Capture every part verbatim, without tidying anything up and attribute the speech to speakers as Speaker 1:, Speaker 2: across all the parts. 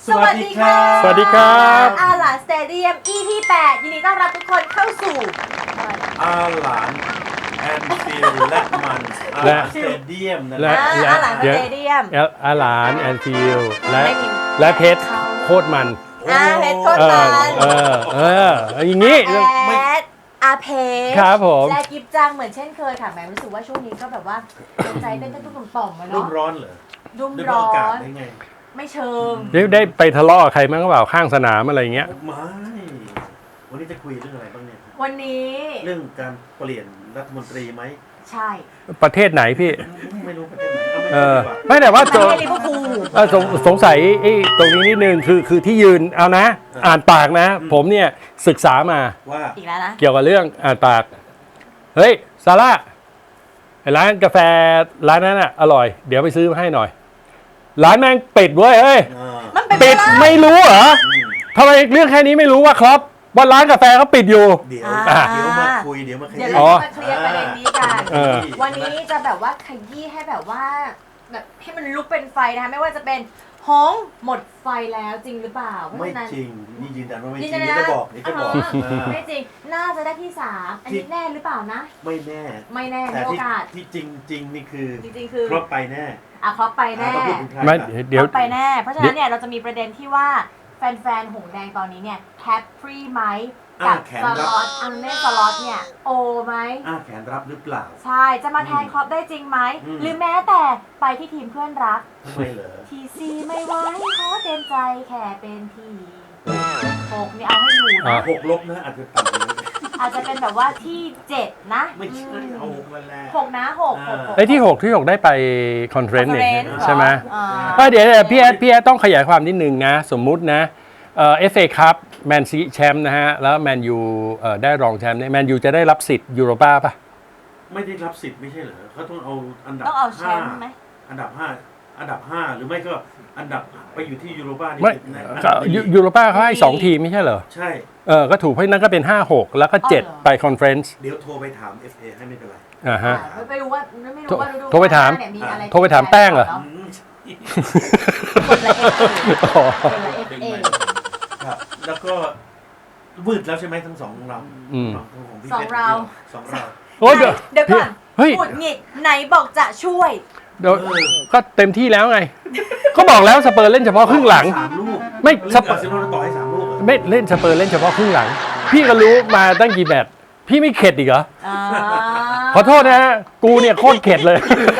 Speaker 1: สวัสดีค่ะ
Speaker 2: สวัสดีครับ
Speaker 1: อาหลานสเตเดียม อี พี แปดยินดีต้อนรับทุกคนเข้าสู่
Speaker 3: อาหลานแอนฟิลและมันอาหลานสเตเดียมนะ
Speaker 2: และ
Speaker 1: อาหลานสเตเดียม
Speaker 2: อาหลานแอนฟิลและ
Speaker 1: ไม่มี
Speaker 2: และเพชรโคตรมัน
Speaker 1: อาเพชรโคตร
Speaker 2: เอ
Speaker 1: มั
Speaker 2: อน เออเอออย่างนี้
Speaker 1: แอดอาเพช
Speaker 2: ครับผม
Speaker 1: และกิฟจังเหมือนเช่นเคยค่ะแหมรู้สึกว่าช่วงนี้ก็แบบว่าใจเต้นตุ้มๆต่อมๆมา
Speaker 3: รุ่
Speaker 1: เนาะ
Speaker 3: มร้อนเหรอ
Speaker 1: รุ่ม
Speaker 3: ด้วย
Speaker 1: ร้อ
Speaker 3: อากาศ
Speaker 1: น
Speaker 3: ได้ไง
Speaker 1: ไม่เชิง
Speaker 2: ได้ได้ไปทะเลาะกับใครมั้งเปล่าข้างสนามอะไรเงี้ย
Speaker 3: ไม่วันนี้จะคุยเรื่องอะไรบ้างเนี่ย
Speaker 1: วันนี้
Speaker 3: เรื่องการเปลี่ยนรัฐมนตรีไหม
Speaker 1: ใช่
Speaker 2: ประเทศไหนพี่
Speaker 3: ไม่รู้ประเทศไหนเอาไม่
Speaker 2: เอ
Speaker 3: รู้
Speaker 2: อ
Speaker 3: ดีกว่า
Speaker 2: ไม่แต่ว่า
Speaker 1: ไม่
Speaker 2: ตัว
Speaker 1: ใช่ลิเวอร์พูล
Speaker 2: เออสงสงสัยไอ้ตรงนี้นิดนึงคือคือที่ยืนเอานะ อ่านปากนะ ผมเนี่ยศึกษามา
Speaker 3: ว่า
Speaker 1: อีกแล้วนะ
Speaker 2: เกี่ยวกับเรื่องอ่านปาก เฮ้ยซาร่าไอ้ร้านกาแฟร้านนั้นอ่ะอร่อย เดี๋ยวไปซื้อมาให้หน่อย ร้านแม่งปิดเว้ยเฮ้ย
Speaker 3: อ่า
Speaker 1: มันเป็น
Speaker 2: ปิด
Speaker 1: ไม่
Speaker 2: ไม่รู้เหรอ
Speaker 3: อืม
Speaker 2: ทำไมเรื่องแค่นี้ไม่รู้ว่าครับว่าร้านกาแฟเขาปิดอยู่
Speaker 3: เดี๋ยว
Speaker 1: อ่า
Speaker 3: เดี๋ยวมาคุยเดี๋ยวมาข
Speaker 1: เดี๋ยว
Speaker 3: ยี้
Speaker 1: เรา
Speaker 2: อ๋อ
Speaker 1: จะมาเคลียร์ประเด็นนี้กัน
Speaker 2: เออ
Speaker 1: วันนี้จะแบบว่าขยี้ให้แบบว่าแบบให้มันลุกเป็นไฟนะคะไม่ว่าจะเป็นหงส์หมดไฟแล้วจริงหรือเปล่าเพราะ
Speaker 3: ไม่
Speaker 1: ฉะนั้น
Speaker 3: จริงนี่ยืนยันว่าไม่จ
Speaker 1: ยื
Speaker 3: ริ
Speaker 1: น
Speaker 3: ง
Speaker 1: ยัน
Speaker 3: เดี๋ยว
Speaker 1: นะ
Speaker 3: จะบอกเดี๋ยวจะบอก
Speaker 1: อ่า
Speaker 3: อ่า
Speaker 1: ไม่จริงน่าจะได้ที่สามอันนี้แน่หรือเปล่านะ
Speaker 3: ไม่แน่
Speaker 1: ไม่แน่
Speaker 3: แต่
Speaker 1: มีโอ
Speaker 3: ที่
Speaker 1: กาส
Speaker 3: ที่จริงจริงนี่คือ
Speaker 1: จริงๆคือ
Speaker 3: ครบไปแน่
Speaker 1: อ่ะครอบไปแน่
Speaker 3: อ่าต้องพูดถึงใคร
Speaker 2: ไม่
Speaker 3: ล่ะ
Speaker 2: เดี๋ยว
Speaker 1: ครอบไปแน่ เพราะฉะนั้นเนี่ยเราจะมีประเด็นที่ว่าแฟนๆหงส์แดงตอนนี้เนี่ยแฮปปี้ไหมกับ
Speaker 3: อ่าแขน
Speaker 1: ส
Speaker 3: รับ
Speaker 1: ล็อตอันเน่สล็อตเนี่ยโอไหม
Speaker 3: อ้าแขนรับหรือเปล่า
Speaker 1: ใช่จะมาแทนครอปได้จริงไหม
Speaker 3: อืม
Speaker 1: หรือแม้แต่ไปที่ทีมเพื่อนรัก
Speaker 3: ทำไมเหรอ
Speaker 1: ทีซีไม่ไหวขอเต็มใจแค่เป็นทีหกนี่เอาให้อยู่
Speaker 2: อ่า
Speaker 1: นะ
Speaker 3: หกลบนะอาจจะต่ำกว่านี้
Speaker 1: อาจจะเป็นแบบว่าที่เจ็ดนะ
Speaker 3: ไม่ใช่เอาหกมาแล้ว
Speaker 1: หกนะหกหกหก
Speaker 2: ไอ้ที่หกที่หกได้ไปคอนเฟรนซ์เนี่ย
Speaker 1: conference
Speaker 2: ใช่ไหม
Speaker 1: อ่า
Speaker 2: ก็เดี๋ยวเดี๋ยวพี่แอดพี่แอดต้องขยายความนิดนึงนะ สมมุตินะเอ่อ เอฟ เอ คัพแมนซีแชมป์นะฮะ แล้วแมนยูเอ่อได้รองแชมป์เนี่ยแมนยูจะได้รับสิทธิ์ยูโรป้าป่ะ
Speaker 3: ไม่ได้รับสิทธิ์ไม่ใช่เหรอเขาต้องเอาอันดับ
Speaker 1: ต้องเอาแช
Speaker 3: ห้าม
Speaker 1: ป์ไหม
Speaker 3: อันดับห้าอันดับห้าหรือไม่ก็อันดับไปอยู่ที่ยูโรป้านี่
Speaker 2: ไม่
Speaker 3: ในอัน
Speaker 2: ก็
Speaker 3: ดับที่
Speaker 2: ยูยูโรป้าเขาให้สองทีมไม่ใช่เหรอ
Speaker 3: ใช่
Speaker 2: เออก็ถูกเพราะฉะนั้นก็เป็นห้าหกแล้วก็เจ็ดไปคอนเฟรนซ์
Speaker 3: เดี๋ยวโทรไปถาม เอฟ เอ ให้ไม่เป็นไร
Speaker 2: อ่าฮะ
Speaker 1: อ่าไม่รู้ว่าไม่รู้ว่าฤดู
Speaker 2: โทรไปถาม
Speaker 1: กลเนี่ยอะไร
Speaker 2: โทรไปถามแป้งเหรอ
Speaker 1: นาะ
Speaker 3: อืม
Speaker 1: คนละเอฟเอ
Speaker 2: อ๋อ
Speaker 1: คนละเอฟเอ
Speaker 3: ครับแล้วก็วืดแล้วใช่ไหมทั้งสองเรา
Speaker 2: อืม
Speaker 3: ของพี่
Speaker 1: สอง
Speaker 3: พช
Speaker 1: เรา
Speaker 3: สองเรา
Speaker 2: โอ้ยเดี๋ยว
Speaker 1: เดี๋ยวก่อน
Speaker 2: เฮ้ย
Speaker 1: หงุดหงิดไหนบอกจะช่วย
Speaker 2: เดี๋ยวก็เต็มที่แล้วไง ก็บอกแล้วสเปอร์เล่นเฉพาะครึ่งหลัง
Speaker 3: สามลูก
Speaker 2: ไม่
Speaker 3: สเปอร์เซโลนาต่อให้สามลูกเหรอ
Speaker 2: ไม่เล่นสเปอร์เล่นเฉพาะครึ่งหลัง พี่ก็รู้มาตั้งกี่แมตช์พี่ไม่เข็ดอีกเหรอ
Speaker 1: อ่า
Speaker 2: ขอโทษนะฮะกูเนี่ยโคตรเข็ดเลย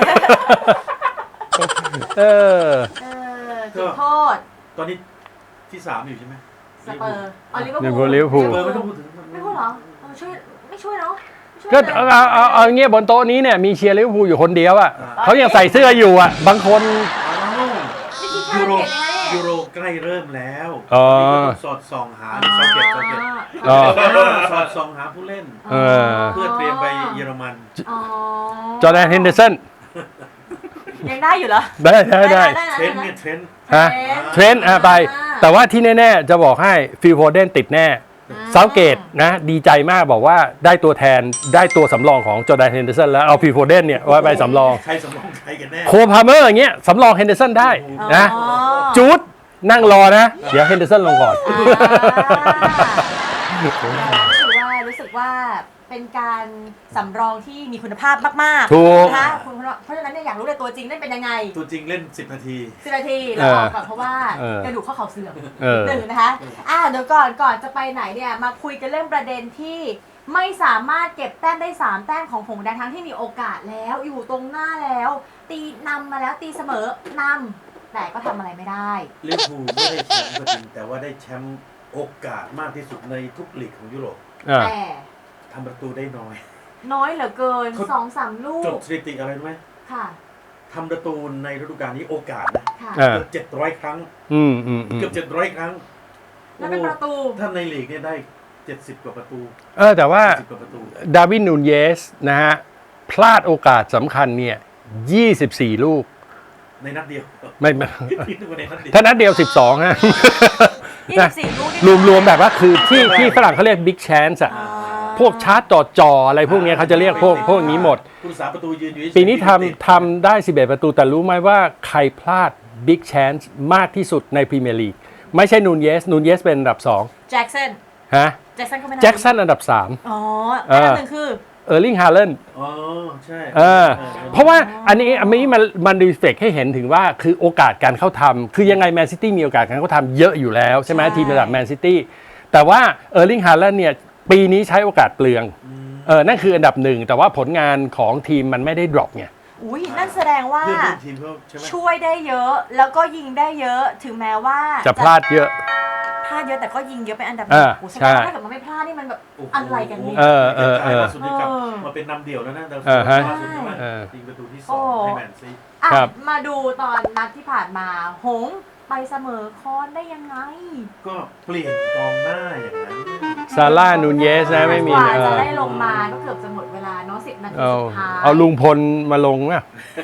Speaker 2: เออ
Speaker 1: เออจุดโทษ
Speaker 3: ตอนนี้ที่สามอยู่ใช่ไหม
Speaker 1: สเปอร์อ๋อลิเวอร์
Speaker 2: ลิ
Speaker 1: พูล
Speaker 2: เวอร์พูล
Speaker 3: สเปอร์ไม่ต้องพูดถึง
Speaker 1: ไม่พูดเหรอเออช่วยไม่ช่วยเนาะไม่ช่วย
Speaker 2: ก็
Speaker 1: เลย
Speaker 2: เอาเอาเอาเอาเงี้ยบนโต๊ะนี้เนี่ยมีเชียร์ลิเวอร์พูลอยู่คนเดียวอ่ะเขายังใส่เสื้ออยู่อ่ะ บางคน
Speaker 3: อ้าว
Speaker 1: ไม่คิด
Speaker 3: ยูโร
Speaker 1: ค่าเปลี่ยนยังไง
Speaker 3: ยูโรใกล้เริ่มแล้ว
Speaker 2: อ๋อ
Speaker 3: นี่ก็ต้องสอดส่องหาซอเก็ตซอเก็ต
Speaker 2: อ๋อ
Speaker 3: สอดส่องหาผู้เล่น
Speaker 2: เออ
Speaker 3: เพื่อเตรียมไปเยอรมัน
Speaker 1: อ๋อ
Speaker 2: จอร์แดนเฮนเดอร์สัน
Speaker 1: ยังได้อยู่เหรอ
Speaker 2: ได้ได้ได้
Speaker 3: เทรนต์เนี่ยเทรนต์
Speaker 2: ฮะเทรนด์อ่ะไป แต่ว่าที่แน่ๆ จะบอกให้ฟิลโฟเดนติดแน่เซาเกตนะดีใจมากบอกว่าได้ตัวแทนได้ตัวสำรองของจอร์แดนเฮนเดอร์สันแล้วเอาฟิลโฟเดนเนี่ยไว้ไปสำรอง
Speaker 3: ใครสำรองใครกันแน่
Speaker 2: โคพาเมอร์อย่างเงี้ยสำรองเฮนเดอร์สันได้นะ
Speaker 1: อ๋อ
Speaker 2: จูดนั่งรอนะ เดี๋ยวเฮนเดอร์สันลงก่อน
Speaker 1: อ่ารู้สึกว่ารู้สึกว่าเป็นการสำรองที่มีคุณภาพมากๆ
Speaker 2: ถูก
Speaker 1: นะคะคุณเพราะฉะนั้นเนี่ยอยากรู้เลยตัวจริงเล่นเป็นยังไง
Speaker 3: ตัวจริงเล่นสิบนาที
Speaker 1: สิบนาทีแล้วออกก่อนเพราะว่า
Speaker 2: เออ
Speaker 1: กระดูกข้อเข่าเสื่อม
Speaker 2: เออ
Speaker 1: หนึ่งนะคะอ่าเดี๋ยวก่อนก่อนจะไปไหนเนี่ยมาคุยกันเรื่องประเด็นที่ไม่สามารถเก็บแต้มได้สามแต้มของหงส์แดงทั้งที่มีโอกาสแล้วอยู่ตรงหน้าแล้ว ตีนำมาแล้วตีเสมอนำแต่ก็ทำอะไรไม่ได้
Speaker 3: ลิเวอร์พูลไม่ได้แชมป์ก็จริงแต่ว่าได้แชมป์โอกาสมากที่สุดในทุกลีกของยุโรป
Speaker 2: อ่า
Speaker 1: แต่
Speaker 3: ทำประตูได้น้อย
Speaker 1: น้อยเหลือเกิน
Speaker 3: เขา
Speaker 1: สองสามลู
Speaker 3: จ
Speaker 1: ก
Speaker 3: ดสถิติอะไรรู้ไหม
Speaker 1: ค่ะ
Speaker 3: ทำประตูในฤดูกาลนี้โอกาสนะ
Speaker 1: ค่ะ
Speaker 2: อ่า
Speaker 3: เกือบเจ็ดร้อยครั้ง
Speaker 2: อืมอืมอืม
Speaker 3: เกือบเจ็ดร้อยครั้ง
Speaker 1: แล้วเป็นประตู
Speaker 3: โอ้ถ้าในลีกเนี่ยได้เจ็ดสิบกว่าประตู
Speaker 2: เออแต่ว่า
Speaker 3: สิบกว่าประตู
Speaker 2: ดาร์วินนูนเยสนะฮะพลาดโอกาสสำคัญเนี่ยยี่สิบสี่ลูก
Speaker 3: ในนัดเดียว
Speaker 2: ไม่ไม่
Speaker 3: ที่นึกว่าในนัดเดียว
Speaker 2: ถ้านัดเดียวสิบสองฮะ
Speaker 1: ยี่สิบสี่ลูกนี่
Speaker 2: รวมๆแบบว่าคือที่ที่ฝรั่งเขาเรียกบิ๊กแชนส์อะ
Speaker 1: อ่า
Speaker 2: พวกชาร์จจ่อจออะไรพวกเนี้ยเขาจะเรียกพวกพวกนี้หมด
Speaker 3: ผู้รักษาประตูยืนอยู่เฉยๆ
Speaker 2: ปีนี้ทำทำได้สิบเอ็ดประตูแต่รู้ไหมว่าใครพลาดบิ๊กแชนส์มากที่สุดในพรีเมียร์ลีกไม่ใช่นูนเยสนูนเยสเป็นอันดับสอง
Speaker 1: แจ็คสัน
Speaker 2: ฮะ
Speaker 1: แจ็คสันก็ไม่ได้
Speaker 2: แจ็คสันอันดับสาม
Speaker 1: อ๋อ
Speaker 2: เอ
Speaker 1: อัน
Speaker 2: อ
Speaker 1: ดับหนึ่งคือ
Speaker 2: เออร์ลิงฮาเลน
Speaker 3: อ๋อใช่
Speaker 2: เออเพราะว่าอันนี้อันนี้มันมันรีเฟกให้เห็นถึงว่าคือโอกาสการเข้าทำคือยังไงแมนซิตี้มีโอกาสการเข้าทำเยอะอยู่แล้วใช่ไหม
Speaker 1: ใช่
Speaker 2: ทีมระดับแมนซิตี้แต่ว่าเออร์ลิงฮาเลนเนี่ยปีนี้ใช้โอกาสเปลืองเออนั่นคืออันดับหนึ่งแต่ว่าผลงานของทีมมันไม่ได้ดรอปไง
Speaker 1: อุ้ยนั่นแสดงว่า
Speaker 3: เพื่อนร่วมทีมเขาใช่ไหม
Speaker 1: ช่วยได้เยอะแล้วก็ยิงได้เยอะถึงแม้ว่า
Speaker 2: จะพลาดเยอะ
Speaker 1: พลาดเยอะแต่ก็ยิงเยอะเป็นอันดับห
Speaker 2: เอ
Speaker 1: นึ่ง
Speaker 2: อ
Speaker 1: โอ้โหแสด
Speaker 2: ใช่
Speaker 1: งว่าถ้าเกิดมันไม่พลาดนี่มันแบบ
Speaker 3: โโห
Speaker 1: อะไรกันเนี่ย
Speaker 2: เออเออเออ
Speaker 3: ล่าสุดนี่กลับ
Speaker 1: เออ
Speaker 3: มาเป็นนำเดี่ยวแล้วนะดาว
Speaker 2: เออฮะ
Speaker 3: ล่าสุดใช่ไหม
Speaker 2: เออ
Speaker 3: ยิงประตูที่ส
Speaker 1: โอ้
Speaker 3: องให้แมนซี
Speaker 1: อ่ะ
Speaker 2: ครับ
Speaker 1: มาดูตอนนัดที่ผ่านมา หงส์ไปเสมอคอนได้ยังไง
Speaker 3: ก็เปลี่ยนกองหน้าอย่างนั้น
Speaker 2: ซาร่านูนเยสนะไม่มี
Speaker 1: กว่า
Speaker 2: เอ
Speaker 1: จะ
Speaker 2: อ
Speaker 1: ได้ลงมาก็เกือบจะหมดเวลาเนาะสิบนาที
Speaker 2: เอา
Speaker 1: สุดท้าย
Speaker 2: เอาลุงพลมาลงนะ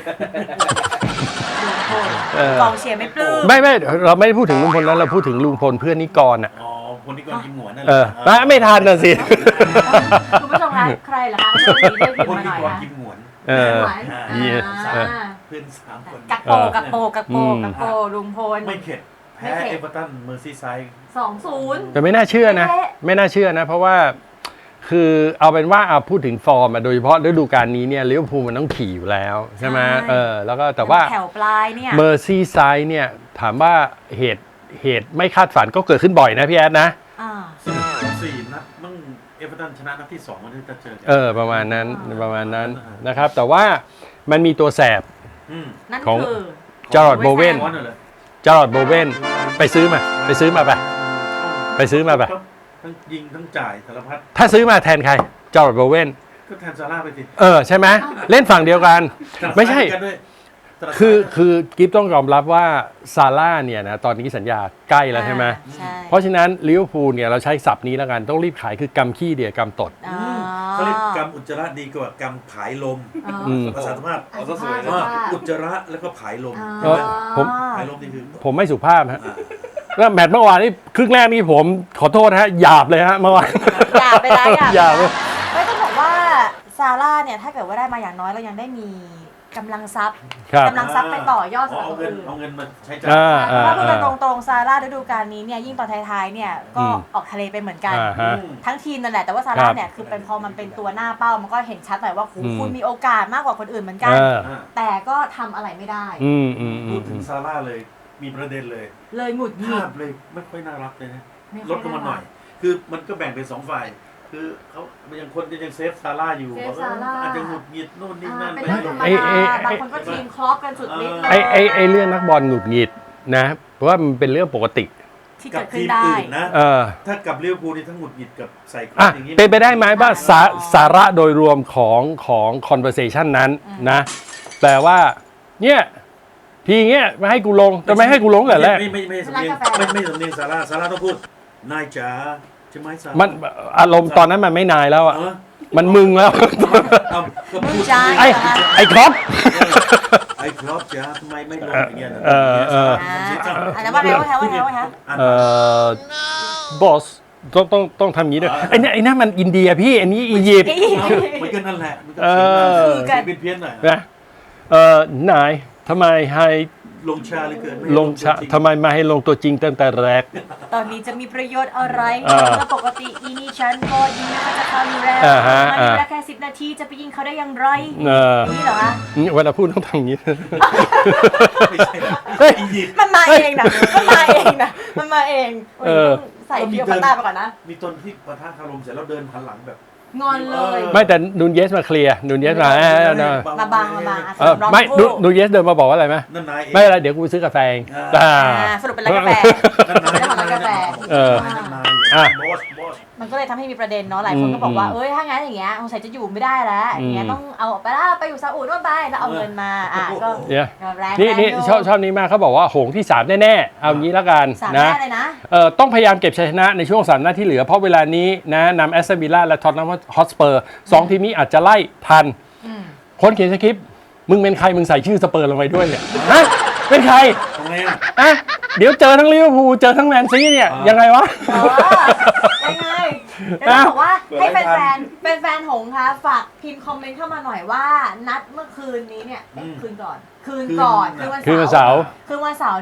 Speaker 1: ลุงพล
Speaker 2: เออ
Speaker 1: กองเชียร์ไม่ปลื้ม
Speaker 2: ไม่ไม่เราไม่ได้พูดถึงลุงพลแล้วเราพูดถึงลุงพลเพื่อนนิกรอ่ะ
Speaker 3: อ๋อคนที่ก่อนกินหมวนนั่นแห
Speaker 2: เอ
Speaker 3: ละ
Speaker 2: อไม่ไม่ทันน่ะสิ
Speaker 1: คุณผู้ชมคะใครเหรอคะเรื่องนี้ได้พิม
Speaker 3: คน
Speaker 1: พ์มาห
Speaker 3: ที่
Speaker 1: น่อย
Speaker 3: ก่อน
Speaker 1: นะ
Speaker 3: กินหมวน
Speaker 2: เออ
Speaker 1: หวาน
Speaker 2: เยี่ย
Speaker 1: อ่า
Speaker 3: เพื่อนสามคน
Speaker 1: กักโปกักโปกักโป
Speaker 2: อืม
Speaker 1: กักโปลุงพล
Speaker 3: ไม่เข็ดแพ้
Speaker 1: ไม่เข็ด
Speaker 3: เอเวอร์ตันเมอร์ซีไซด์
Speaker 1: สองศูนย์
Speaker 2: แต่ไม่น่าเชื่อนะ ไม่น่าเชื่อนะ เพราะว่าคือเอาเป็นว่าเอาพูดถึงฟอร์มอะโดยเฉพาะฤดูกาลนี้เนี่ยลิเวอร์พูลมันต้องขี่อยู่แล้วใช่ไหมเออแล้วก็แต่ว่า
Speaker 1: แถวปลายเนี่ย
Speaker 2: เมอร์ซี่ไซด์เนี่ยถามว่าเหตุเหตุไม่คาดฝันก็เกิดขึ้นบ่อยนะพี่แอดนะ
Speaker 1: อ่า
Speaker 3: สี่นัดมั่งเอเวอร์ตันชนะนัดที่สองมันจะเจอกั
Speaker 2: เออประมาณนั้นประมาณนั้นนะครับ แต่ว่ามันมีตัวแสบ
Speaker 3: อืม
Speaker 1: นั่น
Speaker 2: ของ
Speaker 1: คือ
Speaker 2: จอร์ดโบเวน
Speaker 3: ร้อนเลย
Speaker 2: จอร์ดโบเวนไปซื้อมา ไปซื้อมาไปะ ไปซื้อมาปะ
Speaker 3: ทั้งยิงทั้งจ่ายสารพัด
Speaker 2: ถ้าซื้อมาแทนใครจอร์ดโบเวน
Speaker 3: ก็แทนซาร่าไปสิ
Speaker 2: เออใช่ไหมเล่นฝั่งเดียวกัน ไม่ใช่
Speaker 3: กันด้วยถนัดซ้าย
Speaker 2: คือคือกิฟต้องยอมรับว่าซาร่าเนี่ยนะตอนนี้สัญญาใกล้แล้วใช่ไหม
Speaker 1: ใช่
Speaker 2: เพราะฉะนั้นลิเวอร์พูลเนี่ยเราใช้ศัพท์นี้แล้วกันต้องรีบขายคือกำขี้เดียกำตด
Speaker 1: อ๋อ
Speaker 3: เขาเรียกกำอุจจาระดีกว่ากำผายลม
Speaker 1: อ๋อ
Speaker 2: อืม
Speaker 3: ภาษาธรรมะ
Speaker 1: เอาซะสวยเลย
Speaker 3: ว่าอุจจาระแล้วก็ผายลม
Speaker 1: อ๋อ
Speaker 3: ใช่ไหม
Speaker 2: ผม
Speaker 3: ผายลมนี่คือ
Speaker 2: ผมไม่สุภาพฮะ
Speaker 3: อ่า
Speaker 2: แล้วแมตช์เมื่อวานนี้ครึ่งแรกนี่ผมขอโทษนะฮะหยาบเลยฮะเมื่อวาน
Speaker 1: อย่าไปร้ายอย่า
Speaker 2: อย่า
Speaker 1: ไป
Speaker 2: ไป
Speaker 1: ร้ายไม่ต้องบอกว่าซาร่าเนี่ยถ้าเกิดว่าได้มาอย่างน้อยเรายังได้มีกำลังทรัพย์
Speaker 2: ครับ
Speaker 1: กำลังทรัพย์ไปต่อยอดสำหรับ
Speaker 3: เอา
Speaker 1: คน
Speaker 3: เงิน
Speaker 1: อื่น
Speaker 3: เอาเงินมาใช้จ่าย
Speaker 2: อ่า
Speaker 1: เพ
Speaker 2: อ่า
Speaker 1: ราะว่าพูดกัน
Speaker 2: อ่า
Speaker 1: ตรงๆซาร่าฤดูกาลนี้เนี่ยยิ่งตอนท้ายๆเนี่ยก็
Speaker 2: อืม
Speaker 1: ออกทะเลไปเหมือนกัน
Speaker 2: อ่าฮะ
Speaker 1: ทั้งทีมนั่นแหละแต่ว่าซาร่าเนี่ยคือเป็นพอมันเป็นตัวหน้าเป้ามันก็เห็นชัดหน่อยว่าโห
Speaker 2: อืม
Speaker 1: คุณมีโอกาสมากกว่าคนอื่นเหมือนกัน
Speaker 2: เออ
Speaker 3: อ่า
Speaker 1: แต่ก็ทำอะไรไม่ได้
Speaker 2: อืมอืมอื
Speaker 3: พู
Speaker 2: ม
Speaker 3: ดถึงซาร่าเลยมีประเด็นเลย
Speaker 1: เลยหงุดหงิ
Speaker 3: ภา
Speaker 1: ด
Speaker 3: พเลยไม่ค่อยน่ารักเลยนะ
Speaker 1: ไม่ค่
Speaker 3: ล
Speaker 1: อย
Speaker 3: ดลงมาหน่อย
Speaker 1: น่ารั
Speaker 3: คือมันก็แบ่งเป็นสองฝ่าย คือเขายังคนยังเซฟซาร่าอยู่
Speaker 1: เซฟ
Speaker 3: บอกว่า
Speaker 1: ซาร่า
Speaker 3: อาจจะหงุดหงิดโน่นนี่
Speaker 1: อ่า
Speaker 3: นั่น
Speaker 1: เป็น
Speaker 3: ไป
Speaker 1: เรื่องธรรม
Speaker 2: ไอ้ไอ้
Speaker 1: ดา
Speaker 2: ไอ้
Speaker 1: บางคนก็ทีมครอปกันสุดฤทธิ์เล
Speaker 2: ไอ้
Speaker 1: ย
Speaker 2: ไอ้ไอ้เรื่องนักบอลหงุดหงิดนะเพราะว่ามันเป็นเรื่องปกติ
Speaker 1: ที่
Speaker 3: กั
Speaker 1: เกิ
Speaker 3: บ
Speaker 1: ดขึ้
Speaker 3: ที
Speaker 1: น
Speaker 3: ม
Speaker 1: ได้
Speaker 3: อื่นนะ
Speaker 2: เออ
Speaker 3: ถ้ากับลิเวอร์พูลนี่ทั้งหงุดหงิดกับใส่ครอ
Speaker 2: อ่ะ
Speaker 3: ปอย่างนี้
Speaker 2: เป็นไปได้ไหมว่าสาสาระโดยรวมของของ conversation นั้นนะแปลว่าเนี่ยทีเงี้ยมาให้กูลงจะไม่ให้กูลงแต่แรก
Speaker 3: ไม่ไม่ไม่สำเนียง
Speaker 1: ร้านกาแฟ
Speaker 3: ไม่ไม่สำเนียงซาร่าซาร่าต้องพูดนายจ๋าใช่ไหมซาร่า
Speaker 2: มันอารมณ์ตอนนั้นมันไม่นายแล้วอ่ะ
Speaker 3: เออ
Speaker 2: มันมึงแล้ว
Speaker 3: เอาก็พูด
Speaker 1: จ้า
Speaker 2: ไอ้ไอ้ครับ
Speaker 3: ไอ้ครับจ๋าทำไมไม่ลงอย่างเงี้ยนะ
Speaker 2: เออเออ
Speaker 1: อ่าอ่าแล้วว่าไงว่าไงว่าไงว่าไง
Speaker 2: เอ่อบอสต้องต้องต้องทำอย่างนี้ด้วยไอ้นี่ไอ้นั่นมันอินเดียพี่อันนี้อียิปต์
Speaker 3: มันก็นั่นแหละมันก็
Speaker 2: เออ
Speaker 3: เสียงดังเพี้ยนๆหน่อย
Speaker 2: นะเอ่อนายทำไมให้
Speaker 3: ลงชาเลยเกินไม่
Speaker 2: ลงชะทำไมมาให้ลงตัวจริงตั้งแต่แรก
Speaker 1: ตอนนี้จะมีประโยชน์อะไร
Speaker 2: อ่า
Speaker 1: เมื่อปกติอีนี่ฉันก็ยิงเขาจะเข้าอยู่แล้ว
Speaker 2: อ่าฮะ
Speaker 1: มันมีเวลา
Speaker 2: อ่า
Speaker 1: แค่สิบนาทีจะไปยิงเขาได้อย่างไร
Speaker 2: เออ
Speaker 1: นี่เหรอคะ
Speaker 2: นี่เวลาพูดต้องทำอย่างนี้
Speaker 3: ไม่ใช่
Speaker 2: เฮ้ย
Speaker 3: อียิปต์
Speaker 1: มันมาเองนะมันมาเองนะมันมาเอง
Speaker 2: เออ
Speaker 1: ใส่เกียวพัตตาไปก่อนนะ
Speaker 3: มีตนที่ปะทะคารมเสร็จแล้วเดินหันหลังแบบ
Speaker 1: งอนเลย
Speaker 2: ไม่แต่นูนเยสมาเคลียร์นูนเยสมาเออเออ
Speaker 1: มาบังมาบังอ่ะ
Speaker 2: เออ
Speaker 1: สำรอง
Speaker 2: ไม่
Speaker 1: ทั้ง
Speaker 2: นู
Speaker 1: คู่
Speaker 2: นูนเยสเดินมาบอกว่าอะไรไหม
Speaker 3: นั่นนายเอง
Speaker 2: ไม่เป็นไรเดี๋ยวกูไปซื้อกาแฟเอง
Speaker 3: อ่า
Speaker 2: อ่า
Speaker 1: อ่าสรุปเป็นร้านกาแฟ
Speaker 3: นั่นนาย
Speaker 1: เจ้าของร้านกาแฟ
Speaker 2: เออ
Speaker 3: นั่นนาย
Speaker 2: อ่ะ
Speaker 3: บอสบอส
Speaker 1: มันก็เลยทำให้มีประเด็นเนาะหลายคนก็บอกว่า
Speaker 2: อืม
Speaker 1: เอ้ยถ้างั้นอย่างเงี้ยสงสัยจะอยู่ไม่ได้แล้วอย่างเงี้ย
Speaker 2: อืม
Speaker 1: ต้องเอาออกไปแล้วไปอยู่ซาอุนู่นไปแล้วเอาเงินมาอ่ะก็
Speaker 2: เนี่ย
Speaker 1: ก็แรง
Speaker 2: นี่นี่
Speaker 1: แรงยู่
Speaker 2: ชอบชอบนี้มากเขาบอกว่าโหงที่สามแน่ๆเอางี้แล้วกัน
Speaker 1: สาม
Speaker 2: นะ
Speaker 1: แน่เลยนะ
Speaker 2: เอ่อต้องพยายามเก็บชัยชนะในช่วงสามนัดที่เหลือ เพราะเวลานี้นะนำแอสตันวิลล่าและท็อตแนมฮอตสเปอร์สองทีมนี้อาจจะไล่ทัน
Speaker 1: อืม
Speaker 2: คนเขียนสคริปต์มึงเป็นใครมึงใส่ชื่อสเปอร์ลงไปด้วยเนี่ยฮะเป็นใคร
Speaker 3: ทำไงอ่ะ
Speaker 2: อะเดี๋ยวเจอทั้งลิเวอร์พูลเจอทั้งแมนซีเนี่ย
Speaker 3: อ่ายั
Speaker 2: ยังไงวะ
Speaker 1: อ๋อยังไงจะต้องบอกว่าให้แฟนๆเป็นแฟนๆหงส์คะฝากพิมพ์คอมเมนต์เข้ามาหน่อยว่า นัดเมื่อคืนนี้เนี่ยเอ๊ะคืนก่อน คืนก่อนคืนวัน
Speaker 2: คืนวัน
Speaker 1: เสา
Speaker 2: เสาร์
Speaker 1: ร์คืนวันเสาร์เนี่ย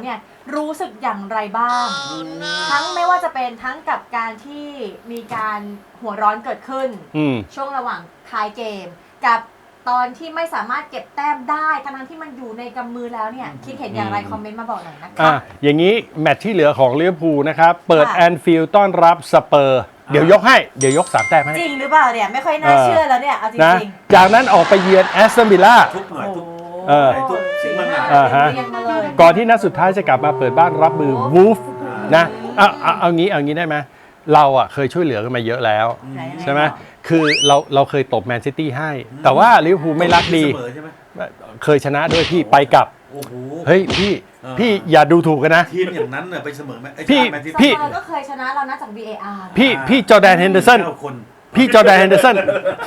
Speaker 1: รู้สึกอย่างไรบ้าง ทั้งไม่ว่าจะเป็นทั้งกับการที่มีการหัวร้อนเกิดขึ้น
Speaker 2: อืม
Speaker 1: ช่วงระหว่างท้ายเกม กับตอนที่ไม่สามารถเก็บแต้มได้ทั้งที่มันอยู่ในกำมือแล้วเนี่ยคิดเห็นอย่างไรคอมเมนต์มาบอกหน่อยนะคะ
Speaker 2: อ่ะอย่างนี้แมตช์ที่เหลือของลิเวอร์พูลนะครับ เปิด
Speaker 1: ค่ะ
Speaker 2: แอนฟิลด์ต้อนรับสเปอร์ เดี๋ยวยกให้ เดี๋ยวยกสามแต้มให้
Speaker 1: จริงหรือเปล่าเนี่ยไม่ค่อยน่าเชื่อแล้วเนี่ยเอาจ
Speaker 2: นะ
Speaker 1: ริง
Speaker 2: จากนั้นออกไปเยือนแอสตันวิลล่า
Speaker 3: ทุกหน่อยทุก
Speaker 1: ๆ
Speaker 2: เออ
Speaker 3: ทุกสิ่งมันหนา
Speaker 2: อ่าฮะ
Speaker 1: เรียงมาเลย
Speaker 2: ก่อนที่นัดสุดท้ายจะกลับมาเปิดบ้านรับมือวูฟนะเอาเอาเอางี้เอางี้ได้ไหมเราอ่ะเคยช่วยเหลือกันมาเยอะแล้ว ใช่ไหมคือเราเราเคยตบแมนซิตี้ให้ แต่ว่าลิเวอร์พูลไม่รักดี
Speaker 3: เสมอใช่ไหม
Speaker 2: เคยชนะด้วยพี่ไปกลับ
Speaker 3: โอ้โห
Speaker 2: เฮ้ยพี่
Speaker 3: เออ
Speaker 2: พี่อย่าดูถูกกันนะ
Speaker 3: ทีมอย่างนั้นน่ะไปเสมอไหมไอ้
Speaker 2: พี่
Speaker 3: แมนซิ
Speaker 1: ส
Speaker 3: ตี้
Speaker 1: เปอร์ก็เคยชนะเรานะจาก วี เอ อาร์
Speaker 2: พี่พี่จอร์แดนเฮนเดอร์สัน
Speaker 3: เก้าคน
Speaker 2: พี่จอร์แดนเฮนเดอร์สัน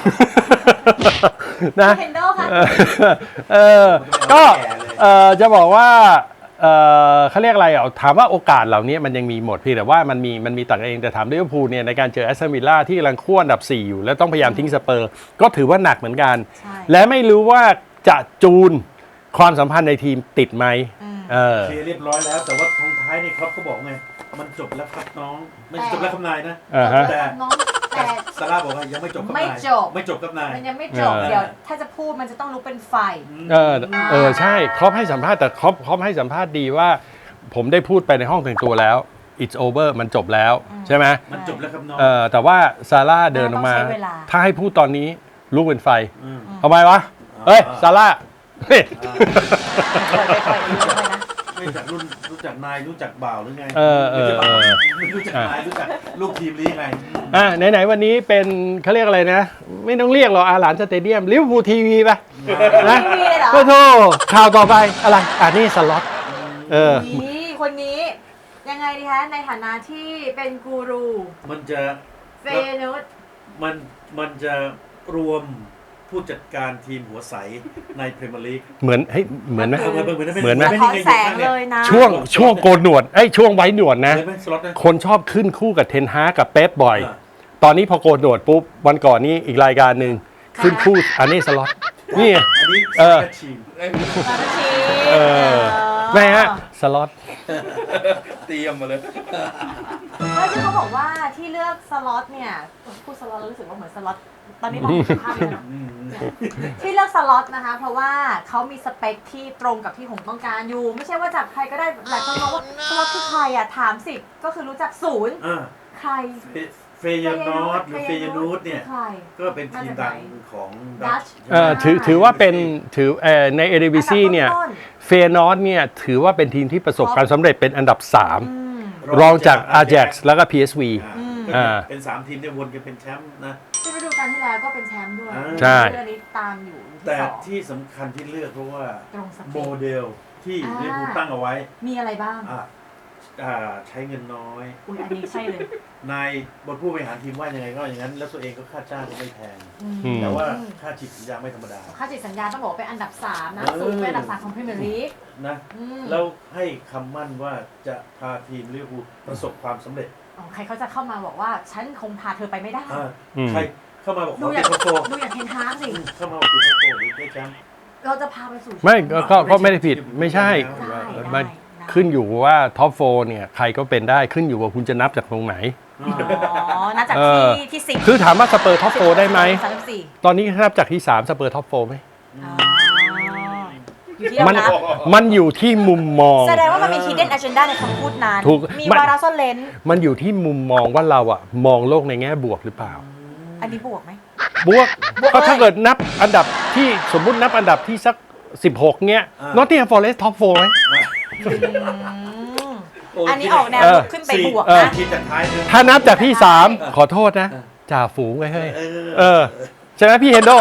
Speaker 2: นะ
Speaker 1: เฮนโดค่ะ
Speaker 2: เออก็เออจะบอกว่าเออเขาเรียกอะไรอ่ะถามว่าโอกาสเหล่านี้มันยังมีหมดพี่แต่ว่ามันมีมันมีต่างกันเองแต่ถามลิเวอร์พูลเนี่ยในการเจอแอสตันวิลล่าที่กำลังขั้วอันดับสี่อยู่แล้วต้องพยายามทิ้งสเปอร์ก็ถือว่าหนักเหมือนกัน
Speaker 1: ใช่
Speaker 2: และไม่รู้ว่าจะจูนความสัมพันธ์ในทีมติดไหม
Speaker 1: อืม
Speaker 2: เออ
Speaker 3: เคลียร์เรียบร้อยแล้วแต่ว่าทงท้ายนี่ครับเขาบอกไงมันจบแล้วครับน้องไม่จบแล้วครับนายนะ
Speaker 2: อ่าฮะ
Speaker 3: แต่
Speaker 1: น้อง
Speaker 3: แต่
Speaker 1: แต่
Speaker 3: ซาร่าบอกว่ายังไม่จบครับ
Speaker 1: ไม่
Speaker 3: นาย
Speaker 1: จบ
Speaker 3: ไม่จบครับนาย
Speaker 1: มันยังไม่จบ
Speaker 2: เออ
Speaker 1: เดี๋ยวถ้าจะพูดมันจะต้องลุกเป็นไฟ
Speaker 2: เออเออใช่ครอปให้สัมภาษณ์แต่ครอปครอปให้สัมภาษณ์ดีว่า ผมได้พูดไปในห้องแต่งตัวแล้ว it's over มันจบแล้วใช่ไหม
Speaker 3: มันจบแล้วครับน้อง
Speaker 2: เออแต่ว่าซาร่าเดินออกมา
Speaker 1: ต้องใช้เวลา
Speaker 2: ถ้าให้พูดตอนนี้ลุกเป็นไฟ
Speaker 3: ม
Speaker 2: ทำไมวะเฮ้ยซาร่าเฮ้ย
Speaker 1: ปล่อยไปปล่อยไปเลยนะ
Speaker 3: ไม่จากรุ่นรู้จักนายรู้จักบ่าวหรือไง
Speaker 2: เออเออ
Speaker 3: ไม่ใช่บ่าว
Speaker 2: เออ
Speaker 3: ไม่รู้จักนายรู้จักลูกทีมหรือยังไง
Speaker 2: อ่ะไหนๆวันนี้เป็นเขาเรียกอะไรนะ ไม่ต้องเรียกหรอกอาหลานสเตเดียมลิเวอร์พูลทีวีไปนะ
Speaker 1: ทีวีเลยเหรอ
Speaker 2: ก็โทษข่าวต่อไปอะไรอ่ะนี่สล็อตเออ
Speaker 1: นี่คนนี้ยังไงดีคะในฐานะที่เป็นกูรู
Speaker 3: มันจะ
Speaker 1: เฟยนุส
Speaker 3: มันมันจะรวมผู้จัดการทีมหัวใสในพรีเมียร์ลีก
Speaker 2: เหมือนเฮ้ยเหมือนไหม
Speaker 3: เหมือน
Speaker 2: เหมือนไหม
Speaker 1: สะท้อนแสงเลยนะ
Speaker 2: ช่วงช่วงโกนหนวดไอ้ยช่วงไว้หนวดนะ
Speaker 3: เหมือนไหมสล็อตนะ
Speaker 2: คนชอบขึ้นคู่กับเทนฮากกับเป๊ปบ่อย
Speaker 3: อ่า
Speaker 2: ตอนนี้พอโกนหนวดปุ๊บ วันก่อนนี้อีกรายการหนึ่งขึ้นคู่อันนี้สล็อตนี่
Speaker 3: อันนี้
Speaker 2: เออ
Speaker 3: สักทีม
Speaker 1: สารที
Speaker 2: เออไม่ฮะสล็อต
Speaker 3: เตรียมมาเลย
Speaker 1: แล้วที่เขาบอกว่าที่เลือกสล็อตเนี่ยพูดสล็อตแล้วรู้สึกว่าเหมือนสล็อตตอนนี้มองไม่เห็นภาพเลยเนาะ
Speaker 3: อืม
Speaker 1: ที่เลือกสล็อตนะคะ เพราะว่าเขามีสเปคที่ตรงกับที่ผมต้องการอยู่ ไม่ใช่ว่าจับใครก็ได้หลายคนบอกว่าสล็อตคือใครอ่ะถามสิก็คือรู้จักศูนย์
Speaker 3: อ่า
Speaker 1: ใคร
Speaker 3: เฟเฟยนอตหรือเฟยนูตเนี่ย
Speaker 1: คือใคร
Speaker 3: ก็เป็นทีมดังของดั
Speaker 1: ดั
Speaker 3: ช
Speaker 1: ช
Speaker 2: เออถือถือว่าเป็นถือเอ่อในเอเดวิซีเนี่ย
Speaker 1: อันดับต้น
Speaker 2: เฟนอสเนี่ยถือว่าเป็นทีมที่ประสบความสำเร็จเป็นอันดับสาม
Speaker 1: ๆอืม
Speaker 2: รองจาก Ajax แล้วก็ พี เอส วี
Speaker 3: อ่า
Speaker 2: อ่า
Speaker 3: เป็นสามทีมที่วนกันเป็นแชมป์นะ
Speaker 1: ที่ฤดูกาลที่แล้วก็เป็นแชมป์ด้วย
Speaker 3: อ่า
Speaker 2: ใช่
Speaker 1: เรื่องนี้ตามอยู่อยู่ที่
Speaker 3: แต่
Speaker 1: สอง
Speaker 3: ที่สำคัญที่เลือกเพราะว่า
Speaker 1: ตรงสเป
Speaker 3: โม
Speaker 1: ค
Speaker 3: เดลที่
Speaker 1: อ่า
Speaker 3: ลิเวอร์พูลตั้งเอาไว้
Speaker 1: มีอะไรบ้าง
Speaker 3: อ่าอ่าใช้เงินน้อย
Speaker 1: อุ้ยอันนี้ใช่เลย
Speaker 3: นายบทผู้บริหารทีมว่ายังไงก็อย่างนั้น แล้วตัวเองก็ค่าจ้างก็ไม่แพง
Speaker 1: อืม
Speaker 2: อืม
Speaker 3: แต่ว่าค่าฉีดสัญญาไม่ธรรมดา
Speaker 1: ค่าจิตสัญญาต้องบอกว่าเป็นอันดับสามนะ
Speaker 3: เออ
Speaker 1: สูงเป็นอันดับสามของพรีเมียร์ลีก
Speaker 3: นะ
Speaker 1: อืม
Speaker 3: แล้วให้คำมั่นว่าจะพาทีมลิเวอร์พูลประสบความสำเร็จ
Speaker 1: อ๋อใครเขาจะเข้ามาบอกว่าฉันคงพาเธอไปไม่ได้
Speaker 3: อ่า
Speaker 2: อืม
Speaker 3: ใครเข้ามาบอกข
Speaker 1: ดู
Speaker 3: อ
Speaker 1: อ
Speaker 3: ติ
Speaker 1: ย่า
Speaker 3: ด
Speaker 1: ง
Speaker 3: ท็อปโฟร์
Speaker 1: ดูอย่างเทนฮากสิ
Speaker 3: เข้ามาบอกติดท็อปโฟร์หรือได้แชมป์
Speaker 1: เราจะพาไปสู่
Speaker 2: ไม่ก็ก็ก็ไม่ได้ผิดไม่ใช่
Speaker 1: ได้ได้
Speaker 2: มัน
Speaker 1: ได้
Speaker 2: ขึ้นอยู่ว่าท็อปโฟเนี่ยใครก็เป็นได้ขึ้นอยู่ว่าคุณจะนับจากตรงไหน
Speaker 1: อ๋อนับจาก
Speaker 2: เออ
Speaker 1: ที่ที่สิบ
Speaker 2: คือถามว่าสเปอร์ท็อปโฟได้ไหม
Speaker 1: สามสิบสี่
Speaker 2: ตอนนี้นับจากที่สามสเปอร์ท็อปโฟไหม
Speaker 1: อ๋ออยู่ที่เรา
Speaker 2: มัน
Speaker 1: นับ
Speaker 2: มันอยู่ที่มุมมอง
Speaker 1: แสดงว่ามันมี hidden agenda ในคำพูดนั้น
Speaker 2: ถูก
Speaker 1: มี
Speaker 2: มัน
Speaker 1: วาระซ่อนเลน
Speaker 2: มันอยู่ที่มุมมองว่าเราอะมองโลกในแง่บวกหรือเปล่า
Speaker 1: อันนี้บวกไหม
Speaker 2: บวก
Speaker 1: บวก
Speaker 2: ก็ถ้า
Speaker 1: เลย
Speaker 2: เกิดนับอันดับที่สมมุตินับอันดับที่สักสิบหกเนี้ย
Speaker 3: อ่า
Speaker 2: นอตติงแฮมฟอเรสต์ท็อปโฟไหม
Speaker 1: อืม
Speaker 3: โอ้
Speaker 1: อันนี้ออกแนว
Speaker 2: เออ
Speaker 1: ขึ้นไป
Speaker 3: สี่
Speaker 1: บวก
Speaker 2: เออ
Speaker 1: นะ
Speaker 3: ทีมจากท้ายเลย
Speaker 2: ถ้านับจากที่สามขอโทษนะ จ่าฝูงไว้เฮ้ย
Speaker 3: เออ
Speaker 2: เออใช่ไหมพี่เฮนโด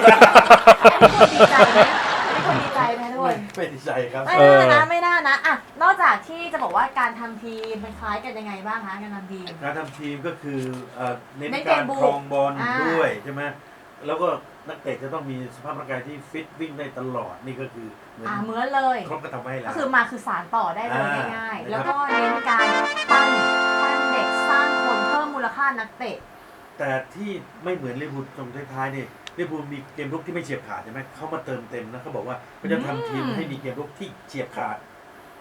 Speaker 1: อันนี้คนดีใจไหมอันนี้คนดีใจไหมทุกคน
Speaker 3: ไม่ดีใจครับ
Speaker 1: ไม่
Speaker 2: เออ
Speaker 1: น่านะไม่น่านะอ่ะนอกจากที่จะบอกว่าการทำทีมมันคล้ายกันยังไงบ้างคะการทำทีม
Speaker 3: การทำทีมก็คือเอ่อเน้น
Speaker 1: เน้นเก
Speaker 3: การ
Speaker 1: มบุก
Speaker 3: ครองบอล
Speaker 1: อ่า
Speaker 3: ด้วยใช่ไหมแล้วก็นักเตะจะต้องมีสภาพร่างกายที่ฟิตวิ่งได้ตลอดนี่ก็คือเหมือน
Speaker 1: อ่าเหมือนเลย
Speaker 3: ครบก็ทำให้แล้
Speaker 1: ก็
Speaker 3: ว
Speaker 1: คือมาคือสารต่อได้เลย
Speaker 3: อ่า
Speaker 1: ง่ายๆ
Speaker 3: นะครับ
Speaker 1: แล้วก็เน้นการปั้นปั้นเด็กสร้างคนเพิ่มมูลค่านักเตะ
Speaker 3: แต่ที่ไม่เหมือนลิเวอร์พูลตรงท้ายๆนี่ลิเวอร์พูลมีเกมรุกที่ไม่เฉียบขาดใช่ไหมเขามาเติมเต็มนะเขาบอกว่าเขาจะทำทีม
Speaker 1: อืม
Speaker 3: ให้มีเกมรุกที่เฉียบขาด